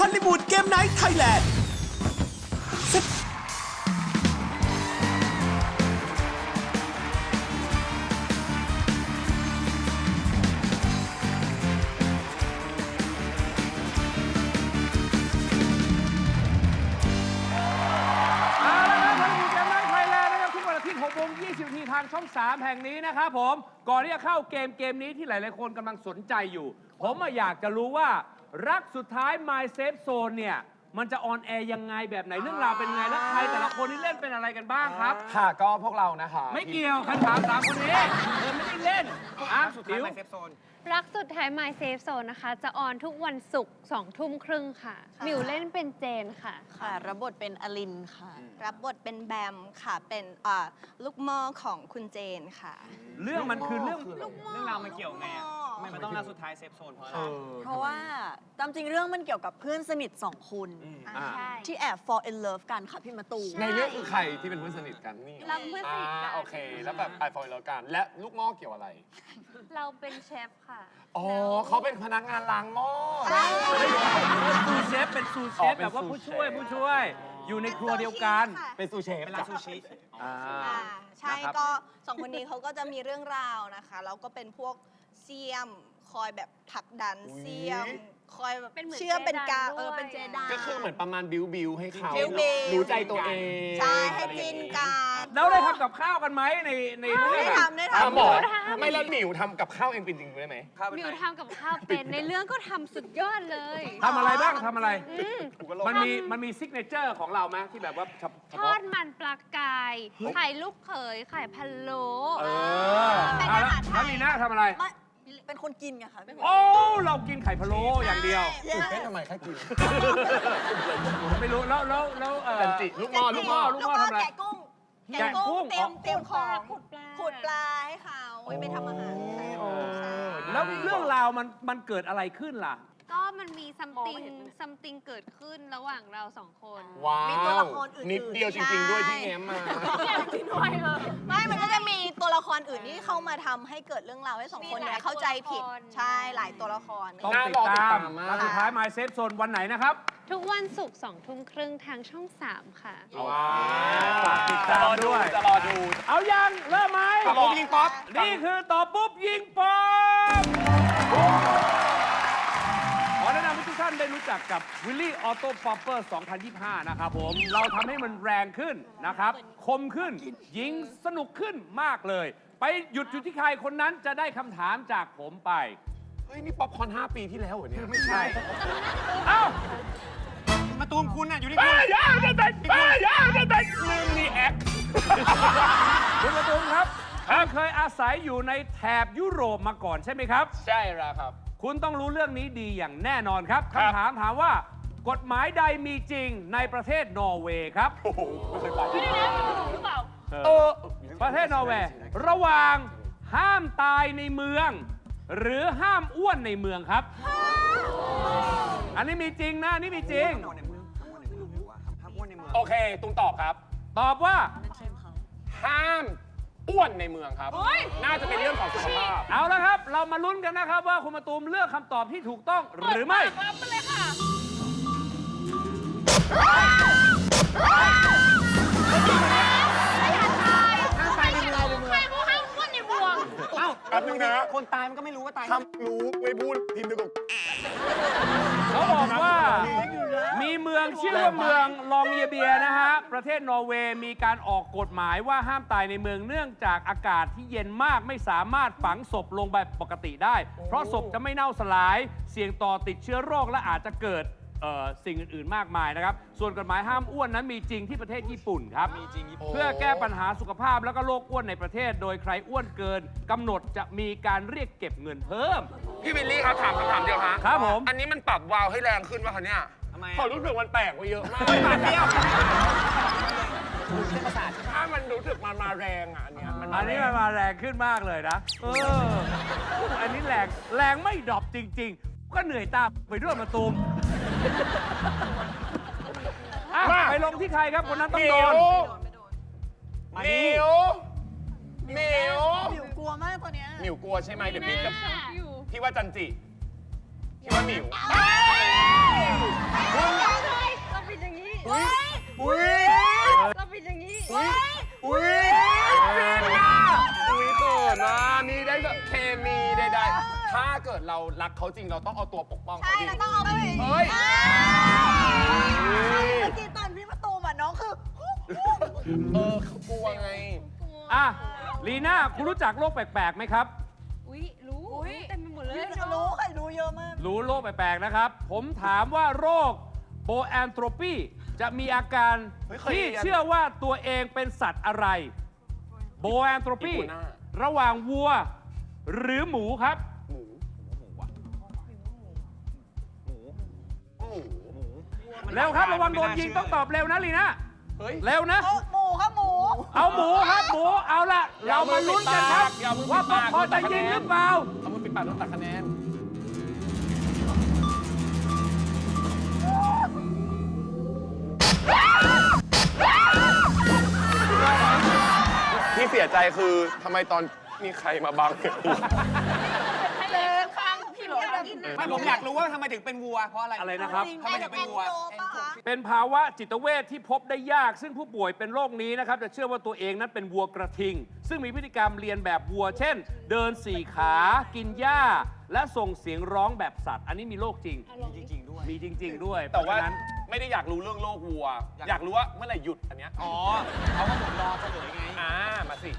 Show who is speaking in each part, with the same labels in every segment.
Speaker 1: อลลีวูดเกมไนท์ไทยแลนด์
Speaker 2: 6:20 ทางช่อง 3 แห่งนี้นะครับผม ก่อนที่จะเข้าเกมนี้ที่หลายๆคนกำลังสนใจอยู่ ผมอยากจะรู้ว่ารักสุดท้าย My Safe Zone เนี่ย มันจะออนแอร์ยังไงแบบไหนเรื่องราวเป็นไง และใครแต่ละคนที่เล่นเป็นอะไรกันบ้างครับ
Speaker 3: ค่ะก็พวกเรานะคะ
Speaker 2: ไม่เกี่ยวคำถาม3 คนนี้ไม่ได้เล่นสุดท้าย My Safe Zone
Speaker 4: รักสุดท้าย My Safe Zone นะคะ จะออนทุกวันศุกร์ 20:30 ค่ะหมิวเล่นเป็นเจนค่ะ
Speaker 5: ค่ะรับบทเป็นอลินค่ะ
Speaker 6: รับบทเป็นแบมค่ะ เป็นลูกหม้อของคุณเจนค่ะ
Speaker 2: เรื่องมันคือเรื่อง
Speaker 3: เรื่องราวมันเกี่ยวไงอ่ะมันต้องรักสุดท้ายเซฟโซนเพราะอะไร
Speaker 5: เพราะว่าตามจริงเรื่องมันเกี่ยวกับเพื่อนสนิท2 คนที่แอบ fall in love กันค่ะพี่มะตูม
Speaker 3: ในเรื่องคือใครที่เป็นเพื่อนสนิทกันนี่
Speaker 4: เราเพื่อนสนิทกัน
Speaker 3: โอเค แล้วแบบไอฟอยแล้วกัน และลูกหม้อเกี่ยวอะไร
Speaker 4: เราเป็นเชฟค่ะ
Speaker 3: อ๋อเขาเป็นพนักงานล้างหม้อ
Speaker 2: ซูเชฟเป็นซูเชฟแบบว่าผู้ช่วยอยู่ในครัวเดียวกัน
Speaker 3: เป็นซูเชฟเป็นร้านซูชิ
Speaker 6: ใช่ก็2 คนนี้เขาก็จะมีเรื่องราวนะคะแล้วก็เป็นพวกเซียมคอยแบบผลักดันเซียม คอยแบบ
Speaker 4: เป็นเหมือน
Speaker 6: เชื่อเป็นกา
Speaker 4: เจดันด้วย
Speaker 6: เป็นเจดัน
Speaker 3: ก็คือเหมือนประมาณบิวให้เขา
Speaker 6: บิว
Speaker 3: รู้ใจตัวเอง
Speaker 6: ใช่ให้จินกัน
Speaker 2: แล้วได้ทำกับข้าวกันไหมในเรื่อง
Speaker 6: ได้ทำได้
Speaker 3: ทำหมอ
Speaker 6: ทำ
Speaker 3: ไม่แล้วหมิวทำกับข้าวเองเป็นจริงได้ไหม
Speaker 4: หมิวทำกับข้าวเป็นในเรื่องก็ทำสุดยอดเลย
Speaker 2: ทำอะไรบ้างทำอะไร
Speaker 4: อืม
Speaker 2: มันมีซิกเนเจอร์ของเราไหมที่แบบว่าเฉ
Speaker 4: ทอ
Speaker 2: พาะ
Speaker 4: ดมันปลากายไข่ลูกเขยไข่พะโล้
Speaker 2: แล้วลีน่าทำอะไร
Speaker 5: เป็นคนกินไงค่ะไม่เหมือน
Speaker 2: โอ้เรากินไข่พะโล้อย่างเดียว
Speaker 3: ตื่นเต้นทำไมแค่กิน
Speaker 2: ไม่รู้แล้ว
Speaker 3: จันจิลูกหม้อ
Speaker 6: ลูกหม้อแกะกุ้ง
Speaker 2: แกะกุ้ง
Speaker 6: เตรียมของ
Speaker 4: ขุดปลา
Speaker 6: ขุดปลาให้เขาไว้ไปทำอาหารใช่
Speaker 2: แล้วเรื่องราวมันเกิดอะไรขึ้นล่ะ
Speaker 4: ก็มันมี something เกิดขึ้นระหว่างเรา2 คน
Speaker 3: ว้าว
Speaker 6: มีตัวละครอื่นๆ
Speaker 3: นิดเดียวจริงๆด้วยที่แง้มมา
Speaker 6: ไม่มันก็จะมีตัวละครอื่นที่เข้ามาทำให้เกิดเรื่องราวให้2 คนเนี่ยเข้าใจผิดใช่หลายตัวละคร
Speaker 2: ต้อง
Speaker 3: น่า
Speaker 2: ติด
Speaker 3: รอติด
Speaker 2: ตา
Speaker 3: ตาม มมาก
Speaker 2: แล้วสุดท้าย My Safe Zone วันไหนนะครับ
Speaker 4: ทุกวันศุกร์ 20:30 ทางช่อง 3 ค่ะ
Speaker 2: ว้าวฝากติดตามด้วย
Speaker 3: จะรอดู
Speaker 2: เอายังเริ่มไหม
Speaker 3: ตอบปุ๊บยิงป๊อป
Speaker 2: นี่คือตอบปุ๊บยิงป๊อปขอแนะนำให้ทุกท่านได้รู้จักกับ Willy Auto Popper 2025 นะครับผม เราทำให้มันแรงขึ้นนะครับ คมขึ้น ยิงสนุกขึ้นมากเลย ไปหยุดอยู่ที่ใครคนนั้นจะได้คำถามจากผมไป
Speaker 3: เฮ้ย นี่ป๊อปคอร์น5 ปีที่แล้วเหรอเนี่ย
Speaker 2: ไม่ใช่ เอ้า
Speaker 3: มาตูมคุณน่ะอยู่ที่
Speaker 2: ป้า
Speaker 3: คุณ
Speaker 2: ย่าจะแต่ลืมรีแอค คุณประตูมครับคุณเคยอาศัยอยู่ในแถบยุโรปมาก่อนใช่ไหมครับ
Speaker 3: ใช่แล้วครับ
Speaker 2: คุณต้องรู้เรื่องนี้ดีอย่างแน่นอนครับคำถามถามว่า กฎหมายใดมีจริงในประเทศนอร์เวย์ครับ
Speaker 3: โอ้โหไม่เคยไป
Speaker 2: ประเทศนอร์เวย์ระหว่างห้ามตายในเมือง หรือห้ามอ้วนในเมืองครับ อันนี้มีจริงนะอันนี่มีจริง
Speaker 3: โอเคตุงตอบครับ
Speaker 2: ตอบว่า
Speaker 3: ห้ามอ้วนในเมืองครับ น่าจะเป็นเรื่องของสุขภาพ
Speaker 2: เอาละครับ เรามาลุ้นกันนะครับว่าคุณมาตูมเลือกคำตอบที่ถูกต้องหรือไม่
Speaker 4: รับไปเลยค่ะ
Speaker 3: เอ้าแป๊บนึงนะคนตายมันก็ไม่รู้ว่าตายทำรู้ไม่พูดพิมพ์ดีกว่า
Speaker 2: เขาบอกว่ามีเมืองชื่อว่าเมืองลองเยเบียนะฮะ ประเทศนอร์เวย์มีการออกกฎหมายว่าห้ามตายในเมืองเนื่องจากอากาศที่เย็นมากไม่สามารถฝังศพลงแบบปกติได้ เพราะศพจะไม่เน่าสลายเสี่ยงต่อติดเชื้อโรคและอาจจะเกิดสิ่งอื่น ๆ มากมายนะครับ ส่วนกฎหมายห้ามอ้วนนั้นมีจริงที่ประเทศญี่ปุ่นครับ เพื่อแก้ปัญหาสุขภาพแล้วก็โรคอ้วนในประเทศ โดยใครอ้วนเกินกำหนดจะมีการเรียกเก็บเงินเพิ่ม
Speaker 3: พี่วิลลี่ครับถามคำถามเดียวฮะ
Speaker 2: ครับผม
Speaker 3: อันนี้มันปรับวาล์วให้แรงขึ้นป่ะคะเนี่ยทำไมขอรู้สึกมันแตกไปเยอะมาก
Speaker 2: ไม่ปรับเดียว
Speaker 3: ถ้ามันรู้สึกมันมาแรงอ่ะอันเนี้ยมัน
Speaker 2: อันนี้มันมาแรงขึ้นมากเลยนะอันนี้แรงไม่ดรอปจริง ๆ ก็เหนื่อยตามไปด้วยมาตูมอ่ะไปลงที่ใครครับคนนั้นต้องโดน
Speaker 3: หมิวหมิว
Speaker 5: หมิวกลัวมากตัวเนี้ย
Speaker 3: หมิวกลัวใช่ไหมเดี๋ยวพี่จะพี่ว่าจันจิพี่ว่าหมิว
Speaker 2: คุณ
Speaker 3: รักเขาจริงเราต้องเอาตัวปกป้อง
Speaker 6: ใช่
Speaker 3: เขาดิ
Speaker 6: เราต้องเอาไป
Speaker 3: เฮ้ย
Speaker 6: เมื่อกี้ตอนพี่ประตูมาน้องคือ
Speaker 3: เขากลัวไง
Speaker 2: อ่ะลีน่าคุณรู้จักโรคแปลกๆไหมครับ
Speaker 4: อุ๊ย รู้เต็มไปหมดเลย
Speaker 6: รู้ใครรู้เยอะมาก
Speaker 2: รู้โรคแปลกๆนะครับ ผมถามว่าโรคโบแอนโทรปีจะมีอาการ
Speaker 3: เฮ้ยเคย
Speaker 2: ที่
Speaker 3: เรียน
Speaker 2: เชื่อว่าตัวเองเป็นสัตว์อะไรโบแอนโทรปี
Speaker 3: อีกัวน่า
Speaker 2: ระหว่างวัวหรือหมูครับ
Speaker 3: หมู
Speaker 2: เร็วครับระวังโดนยิงต้องตอบเร็วนะลีน่า
Speaker 3: เฮ้ย
Speaker 2: เร็วนะ
Speaker 6: หมูครับหมู
Speaker 2: เอาหมูครับหมูเอาละเรามาลุ้นกันครับ
Speaker 3: อย่าเอามือปิด
Speaker 2: ว่า
Speaker 3: ปาก
Speaker 2: พอจะยิงหรือเปล่า
Speaker 3: เอามือปิดปากแล้วตัดคะแนนที่เสียใจคือทำไมตอนมีใครมาบัง
Speaker 7: ไม่ผมอยากรู้ว่าทำไมถึงเป็นวัว เพราะอะไร
Speaker 2: อะไรนะครับ
Speaker 7: ทำไมถึงเป็นวัว
Speaker 2: เป็นภาวะจิตเวชที่พบได้ยาก ซึ่งผู้ป่วยเป็นโรคนี้นะครับจะเชื่อว่าตัวเองนั้นเป็นวัวกระทิง ซึ่งมีพฤติกรรมเรียนแบบวัว เช่น เดินสี่ขา กินหญ้า และส่งเสียงร้องแบบสัตว์ อันนี้มีโรคจริง
Speaker 7: จริงๆด้วย
Speaker 2: มีจริง ๆ ด้วย
Speaker 3: แต่ว่า
Speaker 2: เพระฉะนั้น
Speaker 3: ไม่ได้อยากรู้เรื่องโลกวัว อยากรู้ว่าเมื่อไหร่หยุดอันเนี้ย
Speaker 7: อ๋อเขาก็หมุนรอเฉลยไง
Speaker 3: มาสิ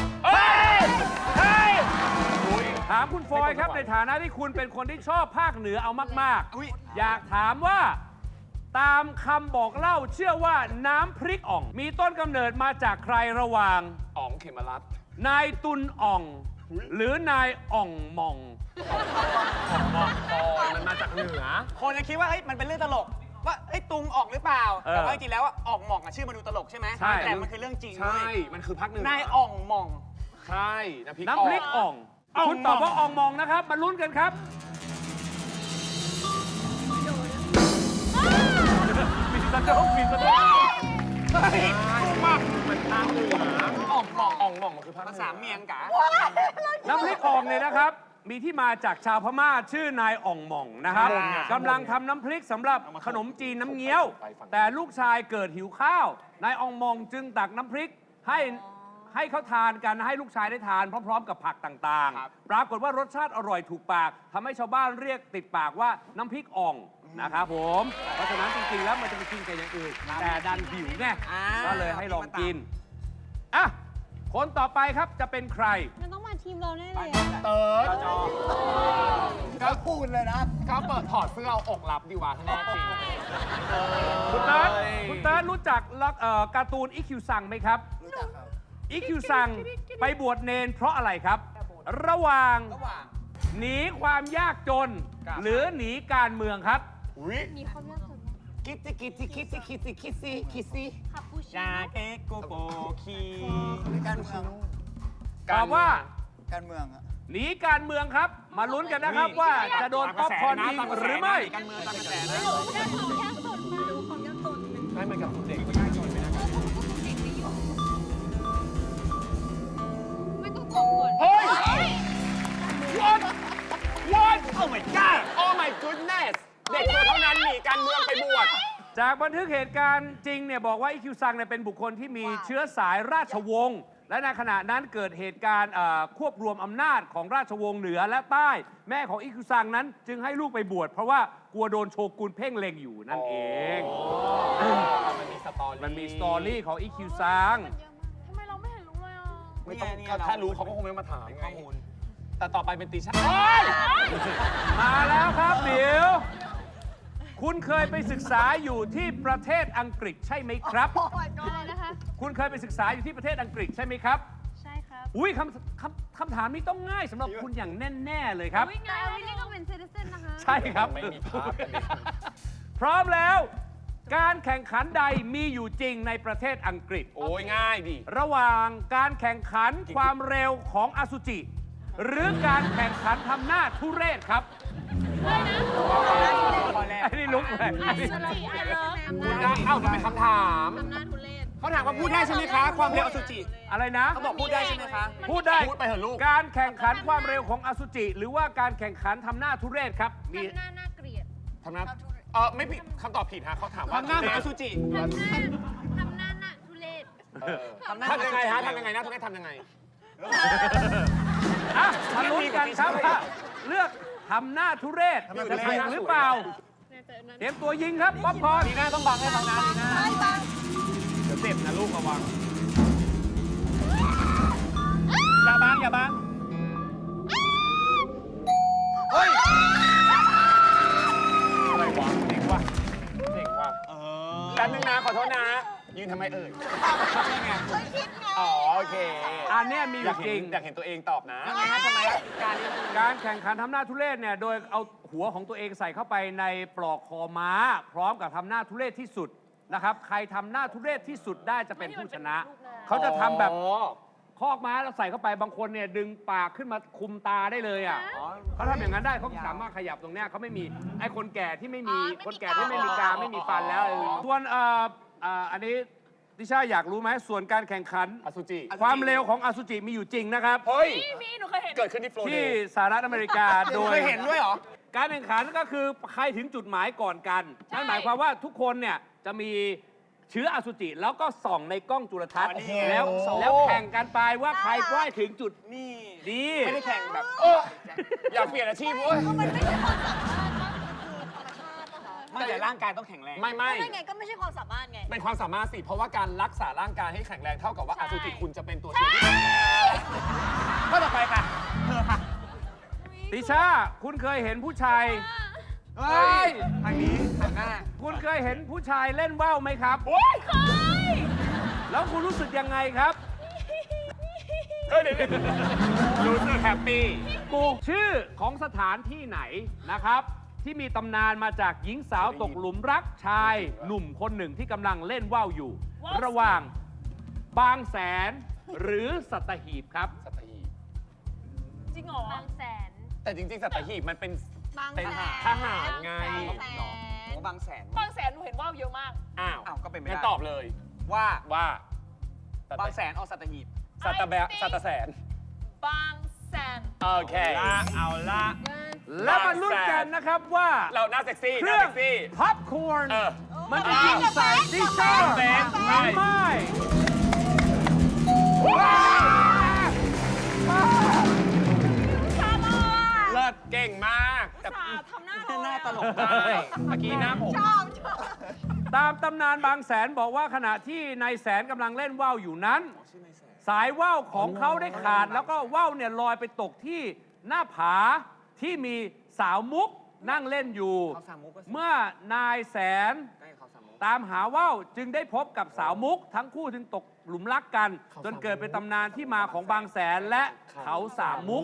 Speaker 2: ถามคุณฟอยครับในฐานะที่คุณเป็นคนที่ชอบภาคเหนือเอามาก
Speaker 7: อุ๊ย
Speaker 2: ๆ อยากถามว่าตามคำบอกเล่าเชื่อว่าน้ำพริกอ่อง มีต้นกำเนิดมาจากใครระหว่าง
Speaker 3: อ๋องเขมรัตน์
Speaker 2: นายตุนอ่อง หรือนายอ่องหมอง
Speaker 3: มันมาจากเหนือ
Speaker 7: คนจะคิดว่าเฮ้ยมันเป็นเรื่องตลก ว่าเฮ้ยตุงออกหรือเปล่า
Speaker 2: เออ
Speaker 7: แต่ว่าจริงๆแล้วอะออกหม่องอะชื่อมันดูตลกใช่ไหม
Speaker 2: ใช่
Speaker 7: แต่มันคือเรื่องจริง
Speaker 3: ใช่
Speaker 7: เว้ย
Speaker 3: มันคือภาคเหนือ
Speaker 7: นายอ่องหม่อง
Speaker 3: ใช่น้ำพริก
Speaker 2: น้ำพริกอ่อง คุณตอบว่าอ่องหมองนะครับ มาลุ้นกันครับ มีสะดุ้งมีสะดุ้ง
Speaker 3: มันภาคเหนือ
Speaker 7: อ่องหม่อง
Speaker 3: อ่องหม่องมันคือภาคเหนื
Speaker 7: ภาษาเมียงกะ
Speaker 2: น้ำพริกอ่องเนี่ยนะครับ มีที่มาจากชาวพม่าชื่อนายอ่องหม่องนะครับกำลังทำน้ำพริกสำหรับขนมจีนน้ำเงี้ยว แต่ลูกชายเกิดหิวข้าว นายอ่องหม่องจึงตักน้ำพริกให้เขาทานกันให้ลูกชายได้ทานพร้อม ๆ กับผักต่าง
Speaker 7: ครับ
Speaker 2: ๆ ปรากฏว่ารสชาติอร่อยถูกปากทำให้ชาวบ้านเรียกติดปากว่าน้ำพริกอ่องนะครับผม เพราะฉะนั้นจริงๆแล้วมันจะไปกินกับอย่างอื่นแต่ดันหิวไงก็เลยให้ลองกินอ่ะคนต่อไปครับจะเป็นใคร
Speaker 4: มันต้องมาทีมเราแน่เลย
Speaker 3: เติร์ด
Speaker 7: ก็พูดเลยนะ
Speaker 3: เขาเปิดถอดเสื้อเอาอกรับดีกว่าแน่จริง
Speaker 2: คุณเติร์ดคุณเติร์ดรู้จักการ์ตูนอีคิวซังไหมครับ
Speaker 7: รู้จักครับ
Speaker 2: อีคิวซังไปบวชเนนเพราะอะไรครับ ระหว่าง
Speaker 7: ระหว่าง
Speaker 2: หนีความยากจน
Speaker 7: ครับ
Speaker 2: หรือหนีการเมืองครับ
Speaker 3: อุ้ย
Speaker 4: มีความยากจน
Speaker 3: คิดสิคิดสิคิดสิคิดสิคิดสิคิดสิ
Speaker 4: คาปูชิ
Speaker 7: ยา
Speaker 4: โน่
Speaker 7: เกโกโปคี
Speaker 8: การเมือง
Speaker 2: ตอบว่า
Speaker 8: การเมืองอะ
Speaker 2: หนีการเมืองครับ มาลุ้นกันนะครับว่าจะโดนป๊อปคอร์นยิงหรือไม่
Speaker 7: การเมืองตามกระแสนะ
Speaker 4: ได้ความยากจนมาดูความยากจน
Speaker 3: ให้มันกับเด็ก
Speaker 4: ไม่ต้องตอบก่อน
Speaker 3: เฮ้ย what what
Speaker 7: โอ้ my god
Speaker 3: oh my goodness เด็กตัวเท่านั้นหนีการเมืองไปบวช
Speaker 2: จากบันทึกเหตุการณ์จริงเนี่ยบอกว่าอีคิวซังเนี่ยเป็นบุคคลที่มีเชื้อสายราชวงศ์และในขณะนั้นเกิดเหตุการณ์ควบรวมอำนาจของราชวงศ์เหนือและใต้ แม่ของอีคิวซังนั้นจึงให้ลูกไปบวชเพราะว่ากลัวโดนโชกุนเพ่งเล็งอยู่นั่นเอง
Speaker 3: มันมีสตอรี่
Speaker 2: มันมีสตอรี่ของอีคิวซัง
Speaker 4: ทำไมเราไม่เห็นรู้เลยอ่ะ
Speaker 3: ไม่ต้อง
Speaker 7: นี่ไง
Speaker 3: ถ้ารู้เขาก็คงไม่มาถาม
Speaker 7: ข้อมูล
Speaker 3: แต่ต่อไปเป็นตีชา
Speaker 2: มาแล้วครับเดี๋ยวคุณเคยไปศึกษาอยู่ที่ประเทศอังกฤษใช่ไหมครับ
Speaker 4: อะไรนะคะ
Speaker 2: คุณเคยไปศึกษาอยู่ที่ประเทศอังกฤษใช่ไหมครับ
Speaker 4: ใช่ครับ
Speaker 2: อุ้ยคำถามนี้ต้องง่ายสำหรับคุณอย่างแน่ ๆ เลยครับ
Speaker 4: แต่อวินนี่ก็เป็นซิติเซนนะคะ
Speaker 2: ใช่ครับ
Speaker 3: ไม่มีภาพกันดิ
Speaker 2: พร้อมแล้ว การแข่งขันใดมีอยู่จริงในประเทศอังกฤษ
Speaker 3: โอ้ยง่ายดิ
Speaker 2: ระหว่างการแข่งขันความเร็วของอสุจิ หรือการแข่งขันทำหน้าทุเรศครับ
Speaker 7: ข้อแรก
Speaker 2: ไอ้นี่ลุกเลย
Speaker 4: อสุจิไอเลิฟ
Speaker 3: คุณได้เอ้ามันเป็นคำถาม
Speaker 4: ทำหน้าทุเรศ
Speaker 7: เขาถามว่าพูดได้ใช่ไหมคะ ความเร็วอสุจิ
Speaker 2: อะไรนะ
Speaker 7: เขาบอกพูดได้ใช่ไหมคะ
Speaker 2: พูดได้
Speaker 3: พูดไปเถอะลูก
Speaker 2: การแข่งขันความเร็วของอสุจิ หรือว่าการแข่งขันทำหน้าทุเรศครับ มี
Speaker 4: ทำหน้าน่าเกลียด
Speaker 3: ทำหน้าไม่ผิดคำตอบผิดฮะเขาถาม
Speaker 7: ค
Speaker 3: ว่า
Speaker 7: วามหน้าเหมือนอสุจิ
Speaker 4: ทำหน้าน่าทุเรศ
Speaker 3: ทำยังไงฮะทำยังไงนะทำยังไง
Speaker 2: อ่ะมาลุ้นกันครับว่าเลือกทำหน้าทุเรศจะถูกหรือเปล่า เตรียมตัวยิงครับป๊อปคอร์น
Speaker 7: ดีน่าต้องบังให้ฟังนะดีน่า
Speaker 3: เดี๋ยวเจ็บนะลูกระวัง
Speaker 7: อย่าบังอย่าบัง
Speaker 3: เฮ้ย อะไรวะเจ๋งว่ะเจ๋งว่ะแป๊บนึงนะ ขอโทษนะ ยืนทำไมเอ่ยใช่ไงอ๋อ โอเค
Speaker 2: อันเนี้ยมีอ
Speaker 3: อยา
Speaker 2: ยู่
Speaker 3: ก
Speaker 2: จ
Speaker 3: เห็
Speaker 2: ริ
Speaker 3: น
Speaker 2: ง
Speaker 3: อยากเห็นตัวเองตอบนะ
Speaker 7: ทำไมฮะทำไมฮะการ
Speaker 2: การแข่งขันทำหน้าทุเรศเนี่ยโดยเอาหัวของตัวเองใส่เข้าไปในปลอกคอม้า พร้อมกับทำหน้าทุเรศที่สุดนะครับใครทำหน้าทุเรศที่สุดได้จะเป็นผู้ชนะ เขาจะทำแบบคอกม้าแล้วใส่เข้าไปบางคนเนี่ยดึงปากขึ้นมาคุมตาได้เลยอ่ะเขาทำอย่างนั้นได้เขาสามารถขยับตรงเนี้ยเขาไม่มีไอ้คนแก่ที่ไม่มีคนแก่ที่ไม่มีกรามไม่มีฟันแล้วส่วนอันนี้ดิชาอยากรู้ไหมส่วนการแข่งขัน
Speaker 3: อสุจิ
Speaker 2: ความเร็วของอสุจิมีอยู่จริงนะครับ
Speaker 3: เฮ้ย
Speaker 6: มีหนูเคยเห็น
Speaker 3: เกิดขึ้นที่โฟลเด
Speaker 2: ที่
Speaker 3: ย์
Speaker 2: สหรัฐอเมริกาโดย
Speaker 7: เคยเห็นด้วยเหรอ
Speaker 2: การแข่งขันก็คือใครถึงจุดหมายก่อนกันนั่นหมายความว่าทุกคนเนี่ยจะมีเชื้ออสุจิแล้วก็ส่องในกล้องจุลทรรศน์
Speaker 7: อ๋อนี่
Speaker 2: แล้วแข่งกันไปว่าใครใกล้ถึงจุด
Speaker 7: นี่
Speaker 2: ดี
Speaker 7: ไม่ได้แข่งแบบ
Speaker 3: อยากเปลี่ยนอาชีพเว้ย
Speaker 7: ไม่แต่ร่างกายต้องแข็งแรง
Speaker 3: ไม่
Speaker 5: ไม่ไงก็ไม่ใช่ความสามารถไง
Speaker 3: เป็นความสามารถสิ เพราะว่าการรักษาร่างกายให้แข็งแรงเท่ากับว่าอสุจิคุณจะเป็นตัวช่วยที่ดี
Speaker 7: ข้อต่อไปค่ะ เธอค่ะ
Speaker 2: ติชาคุณเคยเห็นผู้ชาย
Speaker 7: เฮ้ย ทางนี้ทางหน้า
Speaker 2: คุณเคยเห็นผู้ชายเล่นว่าวไหมครับ
Speaker 6: เคย
Speaker 2: แล้วคุณรู้สึกยังไงครับ
Speaker 3: เดี๋ยวรู้สึกแฮปปี้
Speaker 2: กูชื่อของสถานที่ไหนนะครับ ที่มีตำนานมาจากหญิงสาวตกหลุมรักชายหนุ่มคนหนึ่งที่กำลังเล่นว่าวอยู่ ระหว่างบางแสนหรือสัตหีบครับ
Speaker 3: สัตหีบ
Speaker 6: จริงเหรอ
Speaker 4: บางแสน
Speaker 3: แต่จริงๆ สัตหีบมันเป็น
Speaker 6: บาง
Speaker 3: เป็น
Speaker 6: แสน
Speaker 3: ทหารไง
Speaker 6: บางแส
Speaker 7: โอ้
Speaker 6: น
Speaker 7: บางแสน
Speaker 6: บางแสนหนูเห็นว่าวเยอะมาก
Speaker 3: อ้าว
Speaker 7: อ้าวก็เป็นไม่
Speaker 3: งั้น
Speaker 7: ได้
Speaker 3: ตอบเลย
Speaker 7: ว่า
Speaker 3: ว่า
Speaker 7: บางแสนเอาสัตหีบ
Speaker 3: สัตแบะสัตแสน
Speaker 6: บางแสน
Speaker 3: โอเค เอาละ
Speaker 2: และมาลุ้นกันนะครับว่า
Speaker 3: เราหน้าเซ็กซี่
Speaker 2: เค
Speaker 3: หน้า
Speaker 2: รื่อง
Speaker 3: เซ็กซี่
Speaker 2: พับคอร์น
Speaker 3: เออ
Speaker 2: มันจะยิงใส่ดิชา
Speaker 3: แบงค์
Speaker 2: หรือไม่
Speaker 3: เลิศเก่งมากแต่
Speaker 6: ทำหน้า
Speaker 7: หน้าตลก
Speaker 3: ได้เมื่อกี้หน้าผม
Speaker 6: ชอบชอบ
Speaker 2: ตามตำนานบางแสนบอกว่าขณะที่นายแสนกำลังเล่นว่าวอยู่นั้น สายว่าวของเขาได้ขาด แล้วก็ว่าวเนี่ยลอยไปตกที่หน้าผาที่มีสาวมุกนั่งเล่นอยู่
Speaker 7: เขาสามมุกก็สิ
Speaker 2: เมื่อนายแสน
Speaker 7: ใกล้เขาสามมุก
Speaker 2: ตามหาว่าวจึงได้พบกับสาวมุก ทั้งคู่จึงตกหลุมรักกัน จนเกิดเป็นตำนานที่มาของบางแสนและเขาสามมุก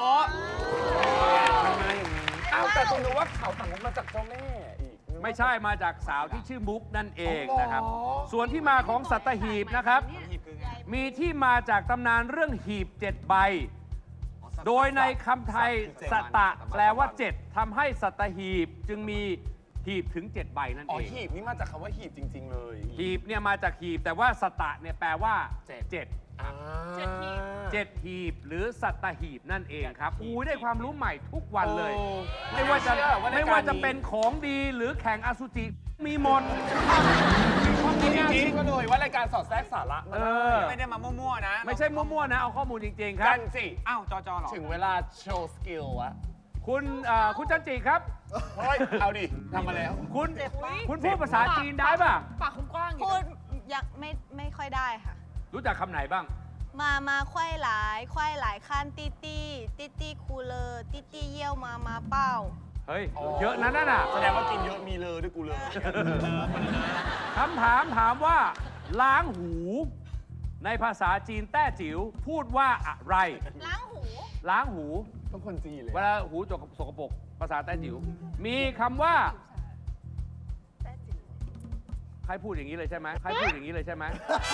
Speaker 3: อ้าวแต่ตรงนี้ว่าเขาสั่งมุกมาจากเจ้าแม่อีก
Speaker 2: ไม่ใช่มาจากสาวที่ชื่อมุกนั่นเองนะครับ ส่วนที่มาของสัตหีบนะครับ
Speaker 7: หีบคือไง
Speaker 2: มีที่มาจากตำนานเรื่องหีบ7 ใบ โดยในคำไทยสตะแปลว่า 7ทำให้สัตหีบจึงมีหีบถึง 7 ใบนั่น
Speaker 3: อ๋อ
Speaker 2: เอง
Speaker 3: หีบนี่มาจากคำว่าหีบจริง ๆ เลย
Speaker 2: หีบเนี่ยมาจากหีบแต่ว่าสตะเนี่ยแปลว่า 7
Speaker 3: อ่า
Speaker 2: 7 หีบหรือสัตหีบนั่นเองครับอู้ได้ความรู้ใหม่ทุกวันเลย ไม่ว่าจะเป็นของดีหรือแข่งอสุจิมีหมด
Speaker 3: จริงๆก็เลยว่ารายการสอดแทรกสาระมา
Speaker 2: เอ
Speaker 3: ได้
Speaker 2: อ
Speaker 7: ไม่ได้มามั่วๆนะ
Speaker 2: ไม่ใช่มั่วๆนะ เอาข้อมูลจริง ๆ ครั
Speaker 3: กับ นสิ
Speaker 7: อ้าวจอเหรอ
Speaker 3: ถึงเวลาโชว์สกิลอะ
Speaker 2: คุณจันจิครับ
Speaker 3: เฮ้ย เอาดิทำมาแล้ว
Speaker 2: คุณพูดภาษาจีนได้ป่ะ
Speaker 6: ปากคุณกว้างอยู่
Speaker 5: พูดยังไม่ค่อยได้ค่ะ
Speaker 2: รู้จักคำไหนบ้าง
Speaker 5: มาควายหลายขั้นตี้คูเลอร์ตี้เยี่ยวมาเป้า
Speaker 2: เฮ้ย เยอะนั้นน่ะ
Speaker 3: แสดงว่ากินเยอะมีเลยด้วยกูเลย
Speaker 2: คำถามว่า ล้างหู ในภาษาจีนแต้จิ๋วพูดว่าอะไร
Speaker 6: ล้างหู
Speaker 2: ล้างหู
Speaker 3: ต้องคนจีนเลย
Speaker 2: เวลาหูสกปรกภาษาแต้จิ๋วมีคำว่า ใครพูดอย่างนี้เลยใช่ไหมใครพูดอย่างนี้เลยใช่ไหม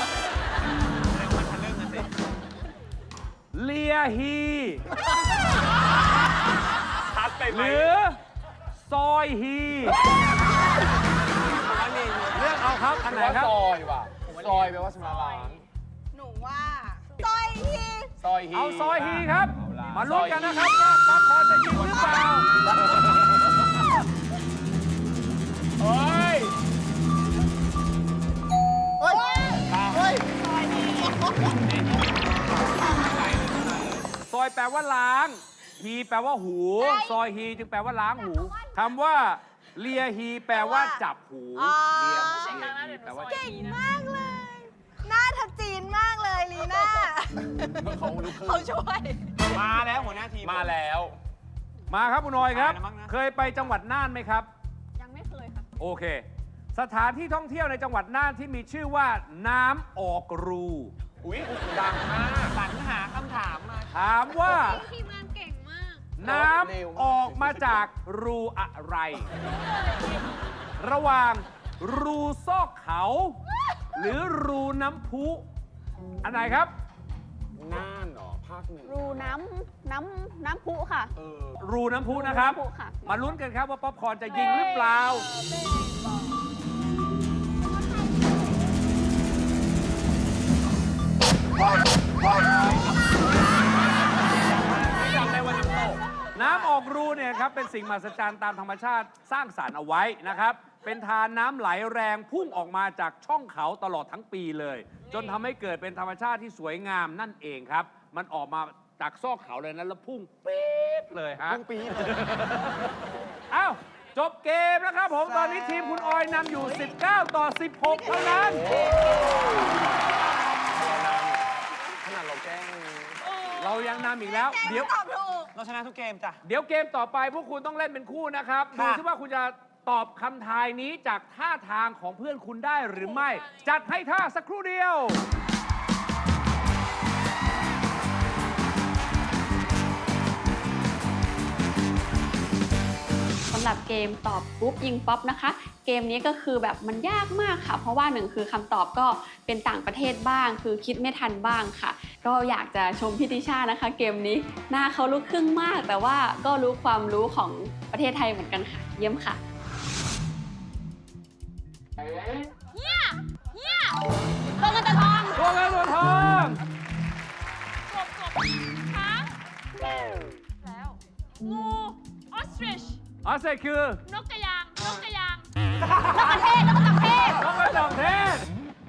Speaker 2: เลียฮี
Speaker 3: ชัดไปไห
Speaker 2: ห
Speaker 3: ม
Speaker 2: รือซอยฮีเลือกเอาครับ อันไหนครับ
Speaker 3: ซอยว่ะซอยแปลว่าชำระล้าง
Speaker 6: หนูว่า
Speaker 5: ซอยฮี
Speaker 3: ซอยฮี
Speaker 2: เอาซอยฮีครับ มาลุ้นกันนะครับว่าป๊อปคอร์นจะยิงหรือเปล่า
Speaker 3: เฮ้ย
Speaker 2: ซอยแปลว่าล้าง ฮฮีแปลว่าหู ซอยฮีจึงแปลว่าล้างหูคำว่าเลียฮีแปลว่าจับหูเลียฮีแปลว่า
Speaker 6: เก่งมากเลย หน้าทัดจีนมากเลยลีน่า เขาช่วย
Speaker 7: มาแล้วหัวหน้าทีม
Speaker 3: มาแล้ว
Speaker 2: มาครับคุณออยครับ
Speaker 7: มาแล้วมั้งนะ
Speaker 2: เคยไปจังหวัดน่านไหมครับ
Speaker 6: ยังไม่เคยค่ะ
Speaker 2: โอเค สถานที่ท่องเที่ยวในจังหวัดน่านที่มีชื่อว่าน้ำออกรู
Speaker 3: อุ้ยดังมาก
Speaker 7: สรรหาคำถามมา
Speaker 2: ถามว่า
Speaker 4: ทีมงานเก่งมาก
Speaker 2: น้ำออกมาจากรูอะไร ระหว่างรูซอกเขา หรือรูน้ำพุ อันไหนครับ
Speaker 3: น่านเหรอ ภาคหนึ่ง
Speaker 4: รูน้ำพุค่ะ
Speaker 2: รูน้ำพุนะครับ
Speaker 4: รูน้ำพุค่ะ
Speaker 2: มาลุ้นกันครับว่าป๊อปคอร์นจะยิงหรือเปล่า น้ำออกรูเนี่ยครับเป็นสิ่งมหัศจรรย์ตามธรรมชาติสร้างสรรค์เอาไว้นะครับ เป็นทานน้ำไหลแรงพุ่งออกมาจากช่องเขาตลอดทั้งปีเลย จนทำให้เกิดเป็นธรรมชาติที่สวยงามนั่นเองครับ มันออกมาจากซอกเขาเลยนะแล้วพุ่งปี๊ดเลยฮะ
Speaker 3: พุ่งปี๊ด
Speaker 2: อ้าวจบเกมแล้วครับผมตอนนี้ทีมคุณออยนำอยู่ 19 ต่อ 16 เท่านั้น
Speaker 3: ขนาดเราแกล้ง
Speaker 2: เรายังนำอีกแล้ว เดี๋ยว
Speaker 6: ตอบถูก
Speaker 7: เราชนะทุกเกมจ้ะ
Speaker 2: เดี๋ยวเกมต่อไปพวกคุณต้องเล่นเป็นคู่นะครับ ดู
Speaker 7: ค่ะ
Speaker 2: ซิว่าคุณจะตอบคำทายนี้จากท่าทางของเพื่อนคุณได้หรือไม่ จัดให้ท่าสักครู่เดียว
Speaker 9: สำหรับเกมตอบปุ๊บยิงป๊อปนะคะ เกมนี้ก็คือแบบมันยากมากค่ะ เพราะว่าหนึ่งคือคำตอบก็เป็นต่างประเทศบ้าง คือคิดไม่ทันบ้างค่ะ ก็อยากจะชมพี่ติชานะคะ เกมนี้หน้าเขาลูกครึ่งมาก แต่ว่าก็รู้ความรู้ของประเทศไทยเหมือนกันค่ะ เยี่ยมค่ะ
Speaker 4: ตัวเงินตัวทอง
Speaker 2: ตัวเงินตัวทอง
Speaker 4: ช้างแล้วงูออสตริช
Speaker 2: ออสเตรคือ
Speaker 4: นกกระยาง นกกระยาง
Speaker 2: นกกระจอกเทศ